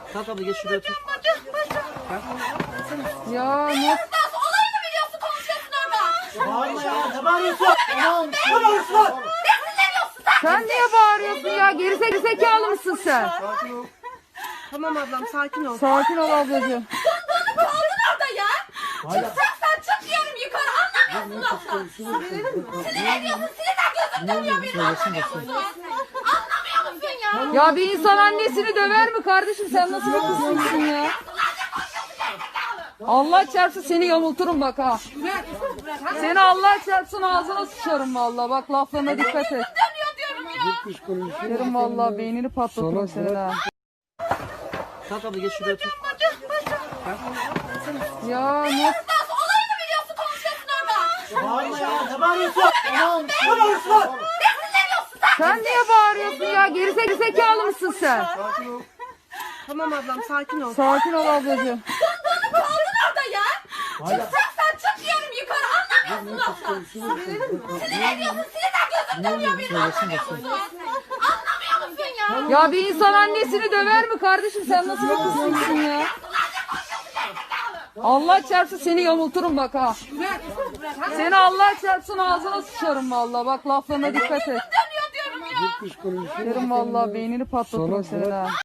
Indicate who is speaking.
Speaker 1: Kalk abla geç şuraya otur.
Speaker 2: Ya ne?
Speaker 3: Olayını biliyorsun, konuşuyorsun orada.
Speaker 1: Bağırma ya. Ne bağırıyorsun? Tamam. Ne bağırıyorsun lan?
Speaker 3: Ne sinirleniyorsun sen?
Speaker 2: Sen niye bağırıyorsun ya? Gerizekalı mısın sen?
Speaker 4: Tamam ablam sakin ol.
Speaker 2: Sakin ol ablacığım.
Speaker 3: Bunu kaldın orada ya. Çıkacaksan çık diyorum yukarı, anlamıyorsun laftan. Sinirleniyorsun, sinirden gözüm dönüyor benim, anlamıyor musun? Anlamıyor musun ya?
Speaker 2: Ya bir insan annesini döver mi kardeşim? Sen nasıl bir kızsın ya? Allah çarpsın seni yamulturum bak ha. Seni Allah çarpsın ağzına sıçarım vallahi. Bak laflarına dikkat et.
Speaker 3: Dönüyor diyorum ya.
Speaker 2: Derim vallahi beynini patlatırım senin ha.
Speaker 1: Kalk abla geç şuraya otur.
Speaker 2: Ya ne?
Speaker 3: Olayını biliyorsun, konuşuyorsun orada.
Speaker 1: Bağırma ya. Ne bağırıyorsun? Tamam. Ne bağırıyorsun lan?
Speaker 3: Ne sinirleniyorsun sen?
Speaker 2: Sen niye bağırıyorsun ya? Gerizekalı mısın sen?
Speaker 4: Tamam ablam sakin ol.
Speaker 2: Sakin ol ablacığım.
Speaker 3: Bunu kaldın orada ya. Çıkacaksan çık diyorum yukarı, anlamıyorsun laftan. Sinirleniyorsun, sinirden gözüm dönüyor benim, anlamıyor musun? Anlamıyor musun ya?
Speaker 2: Ya bir insan annesini döver mi kardeşim? Sen nasıl bir kızsın ya? Allah çarpsın seni yamulturum bak ha. Seni Allah çarpsın ağzına sıçarım vallahi. Bak laflarına dikkat et.
Speaker 3: Dönüyor diyorum ya.
Speaker 2: Derim vallahi beynini patlatırım senin ha.